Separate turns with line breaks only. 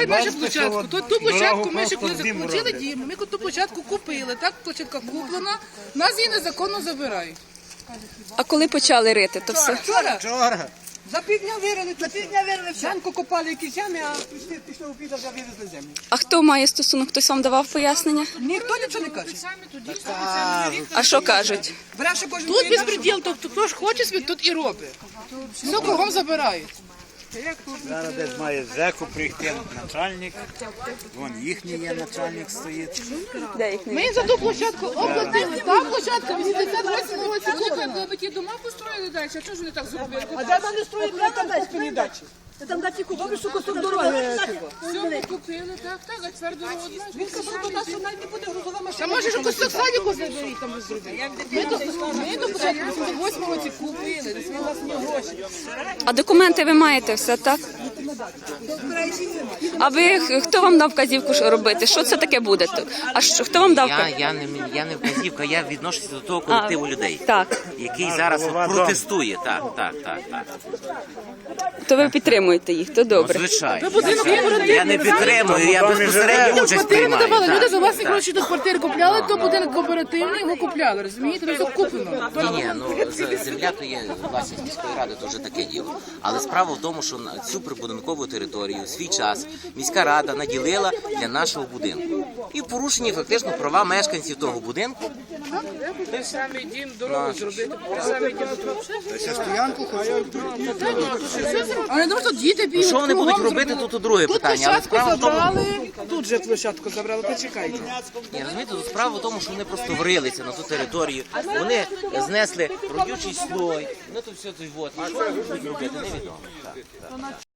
забирають нашу площадку. Ту площадку ми ще коли заключили дім, ми ту площадку купили, так, площадка куплена, нас її незаконно забирають.
А коли почали рити, то все?
Вчора.
За півдня вирили, Зранку копали якісь ями, а після обіду вже вивезли землю.
А хто має стосунок? Хтось вам давав пояснення?
Ніхто нічого не каже.
А що кажуть?
Бреше кожен
Тут безпреділ, тобто хто ж хоче собі, тут і робить. Все кругом забирають.
Зараз десь має з ЖЕКу прийти начальник. Вон їхній є начальник стоїть.
Де їх не
Ми за ту площадку оплатили. Та площадка 88 році куплена.
Ви ті дома построїли далі, а чого ж вони так зробили?
А де мене строїть, там десь спині дачі. Там дачі купили, що кусок дороги.
Все, ми купили, так, а тепер дорога одна.
Він казав до нас, що навіть не буде грузова
Та
машина.
може ж кусок садіку заберіть там зробити. Ми до початку 88 році купили, десь ми власні гроші.
А документи ви маєте все, так? А ви, хто вам дав вказівку що робити? Що це таке буде? А що, хто вам дав?
Я не вказівка, я відношуся до того колективу людей,
Так.
який зараз протестує. Так.
То ви підтримуєте їх, то добре.
Звичайно. Я не підтримую, я безпосередньо участь
Квартири не
приймаю.
давали, люди
Так,
за власні
так.
гроші до квартири купляли, то будинок кооперативний, його купляли, розумієте? Це куплено.
Ні, земля то є власність міської ради, то вже таке діло. Але справа в тому, що на цю прибудинкову територію в свій час міська рада наділила для нашого будинку. І порушені фактично права мешканців того будинку.
Той самий дім дорогу зробити, той самий дім
А не тому, що діти бігають.
Що вони будуть
кругом
робити,
зробили.
тут друге
Тут
питання. Але
площадку
справа в тому,
забрали, тут же площадку забрали, почекайте.
ні, розумієте, тут справа в тому, що вони просто врилися на ту територію. Вони знесли родючий слой. Ну то все тут. І що вони будуть робити, невідомо.